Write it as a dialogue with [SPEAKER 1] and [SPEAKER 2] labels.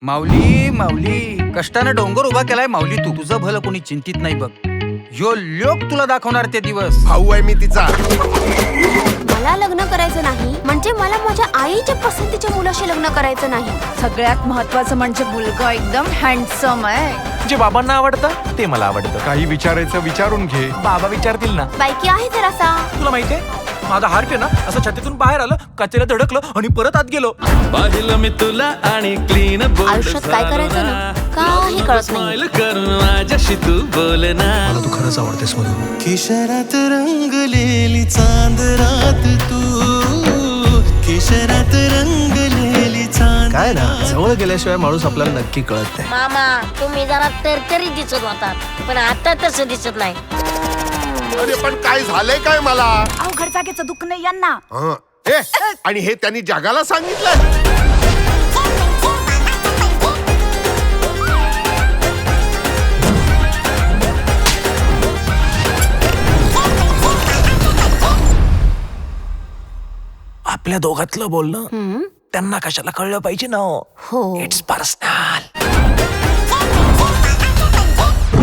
[SPEAKER 1] माऊली माऊली कष्टानं डोंगर उभा केलाय माऊली तू. तुझं भलं कोणी चिंतित नाही बघ. यो लोक तुला दाखवणार ते दिवस.
[SPEAKER 2] भाऊ आहे मी तिचा.
[SPEAKER 3] मला लग्न करायचं नाही म्हणजे मला माझ्या आईच्या पसंतीच्या मुलाशी लग्न करायचं नाही.
[SPEAKER 4] सगळ्यात महत्वाचं म्हणजे मुलगा एकदम हँडसम आहे.
[SPEAKER 5] जे बाबांना आवडतं ते मला आवडतं.
[SPEAKER 2] काही विचारायचं विचारून घे.
[SPEAKER 5] बाबा विचारतील ना.
[SPEAKER 3] बायकी आहे जरासा.
[SPEAKER 5] तुला माहितीये माझा हार्ट आहे ना असं छातीतून बाहेर आलं, कचऱ्यात धडकलं आणि परत आत गेलो.
[SPEAKER 6] पाहिलं मी तुला आणि क्लीन
[SPEAKER 3] आयुष्यात काय करायचं ना काही कळत नाही.
[SPEAKER 6] करून माझ्याशी तू बोल ना.
[SPEAKER 5] मला तू खरंच आवडतेस म्हणून.
[SPEAKER 6] केशरात रंगलेली चांदरात तू, केशरात रंगलेली चांद.
[SPEAKER 5] काय ना जवळ गेल्याशिवाय माणूस आपल्याला नक्की कळत नाही.
[SPEAKER 7] मामा तुम्ही जरा तरतरी दिसत होतात पण आता तसं दिसत नाही.
[SPEAKER 2] अरे पण काय झालंय काय मला?
[SPEAKER 4] अवघड जागेचं दुःख नाही यांना.
[SPEAKER 2] हं. ए, आणि हे त्यांनी जगाला सांगितलं.
[SPEAKER 5] आपल्या दोघातलं बोलणं त्यांना कशाला कळलं पाहिजे ना.
[SPEAKER 3] हो.
[SPEAKER 5] It's personal.